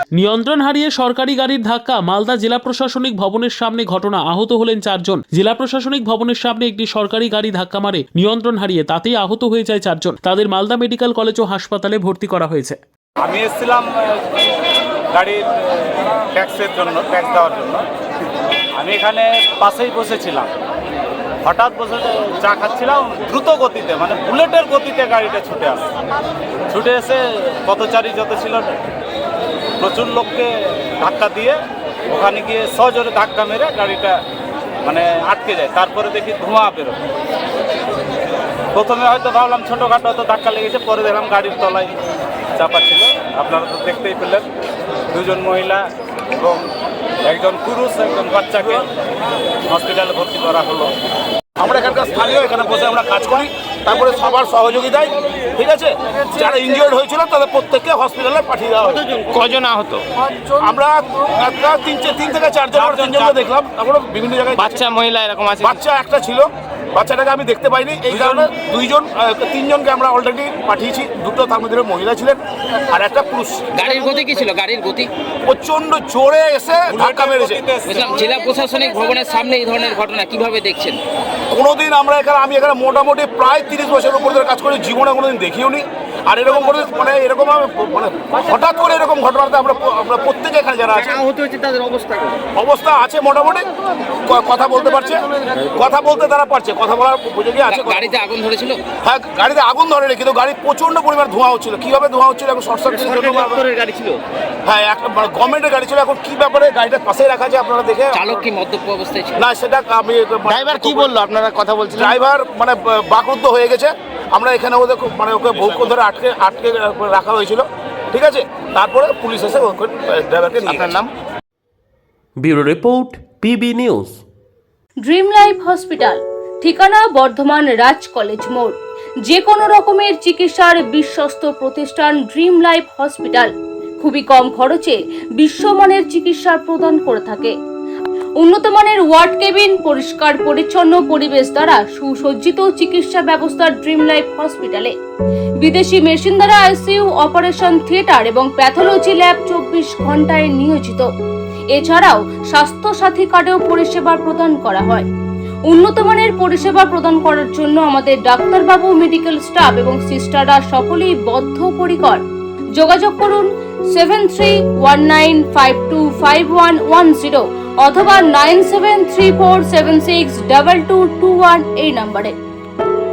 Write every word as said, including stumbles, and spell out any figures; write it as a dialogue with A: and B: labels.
A: নিয়ন্ত্রণ হারিয়ে সরকারি গাড়ির ধাক্কা মালদা জেলা প্রশাসনিক ভবনের সামনে ঘটনা। আহত হলেন চারজন। জেলা প্রশাসনিক ভবনের সামনে একটি সরকারি গাড়ি ধাক্কা মারে নিয়ন্ত্রণ হারিয়ে, তাতেই আহত হয়ে যায় চারজন। তাদের মালদা মেডিকেল কলেজ ও হাসপাতালে ভর্তি করা হয়েছে।
B: আমি এসেছিলাম গাড়ির ট্যাক্সের জন্য, ট্যাক্স দেওয়ার জন্য। আমি এখানে পাশেই বসেছিলাম, হঠাৎ বসে চা খাচ্ছিলাম, দ্রুত গতিতে মানে বুলেটের গতিতে গাড়িটা ছুটে আসে। ছুটে এসে পথচারী যত ছিল প্রচুর লোককে ধাক্কা দিয়ে ওখানে গিয়ে সজোরে ধাক্কা মেরে গাড়িটা মানে আটকে যায়। তারপরে দেখি ধোঁয়া বেরোয়। প্রথমে হয়তো ভাবলাম ছোটোখাটো হয়তো ধাক্কা লেগেছে, পরে দেখলাম গাড়ির তলায় চাপা ছিল। আপনারা তো দেখতেই পেলেন, দুজন মহিলা এবং একজন পুরুষ একজন বাচ্চাকে হসপিটালে ভর্তি করা হলো।
C: আমরা এখানকার স্থানীয়, এখানে বসে আমরা কাজ করি, তারপরে সবার সহযোগিতায় ঠিক আছে যারা ইনজিওর্ড হয়েছিল তাদের প্রত্যেককে হসপিটালে পাঠিয়ে দেওয়া হয়।
D: কজন আহত?
C: আমরা একটা তিন তিন থেকে চারজন তিনজনকে দেখলাম, তারপরে বিভিন্ন জায়গায়
D: বাচ্চা মহিলা এরকম আছে?
C: বাচ্চা একটা ছিল, বাচ্চাটাকে আমি দেখতে পাইনি, এই কারণে দুইজন তিনজনকে আমরা অলরেডি পাঠিয়েছি। দুটো তার মধ্যে মহিলা ছিলেন আর একটা পুরুষ।
D: গাড়ির গতি কি ছিল? গাড়ির গতি
C: প্রচন্ড জোরে এসে ধাক্কা মেরেছে।
D: বুঝলাম। জেলা প্রশাসনিক ভবনের সামনে এই ধরনের ঘটনা কিভাবে দেখছেন?
C: কোনোদিন আমরা এখানে আমি এখানে মোটামুটি প্রায় তিরিশ বছরের উপর ধরে কাজ করি, জীবনে কোনোদিন দেখিও নি। আর এরকম করে মানে এরকম মানে হঠাৎ করে এরকম ঘটনাতে আমরা আমরা প্রত্যেকে এখানে যারা আছে
D: আহত হয়েছে তাদের অবস্থা
C: অবস্থা আছে মোটামুটি, কথা বলতে পারছে, কথা বলতে তারা পারছে, কথা বলার উপযোগী আছে।
D: গাড়িতে আগুন ধরেছিল?
C: হ্যাঁ, গাড়িতে আগুন ধরে নি, কিন্তু গাড়ি প্রচন্ড পরিমাণ ধোঁয়া হচ্ছিল। কিভাবে ধোঁয়া হচ্ছিল এখন শর্ট সার্কিটের জন্য
D: গাড়ি ছিল?
C: হ্যাঁ, একটা গভর্নমেন্টের গাড়ি ছিল। এখন কি ব্যাপারে গাড়িটা পাশেই রাখা আছে আপনারা দেখে।
D: চালক কি মদ্যপ অবস্থায় ছিল?
C: না, সেটা আমি
D: ড্রাইভার কি বললো? আপনারা কথা বলছিলেন?
C: ড্রাইভার মানে বাকরুদ্ধ হয়ে গেছে। আমরা এখানে ওদের মানে ওকে বহুক্ষণ ধরে আটকে আটকে রাখা হয়েছিল, ঠিক আছে। তারপরে পুলিশ এসে ওকে ড্রাইভারকে নিয়ে।
D: আপনার নাম?
A: Bureau report, PB news.
E: Dream life hospital, ঠিকানা বর্ধমান রাজ কলেজ মোড়। যে কোনো রকমের চিকিৎসার বিশ্বস্ত প্রতিষ্ঠান ড্রিম লাইফ হসপিটাল খুবই কম খরচে বিশ্বমানের চিকিৎসা প্রদান করে থাকে। উন্নত মানের ওয়ার্ড কেবিন, পরিষ্কার পরিচ্ছন্ন পরিবেশ দ্বারা সুসজ্জিত চিকিৎসা ব্যবস্থা ড্রিম লাইফ হসপিটালে। বিদেশি মেশিন দ্বারা আইসিইউ, অপারেশন থিয়েটার এবং প্যাথোলজি ল্যাব চব্বিশ ঘন্টায় নিয়োজিত। এছাড়াও স্বাস্থ্য সাথী কার্ডেও পরিষেবা প্রদান করা হয়। উন্নত মানের পরিষেবা প্রদান করার জন্য আমাদের ডাক্তারবাবু, মেডিকেল স্টাফ এবং সিস্টাররা সকলেই বদ্ধপরিকর। যোগাযোগ করুন seven three one nine five two five one one zero অথবা nine seven three four seven six double two two one এই নম্বরে।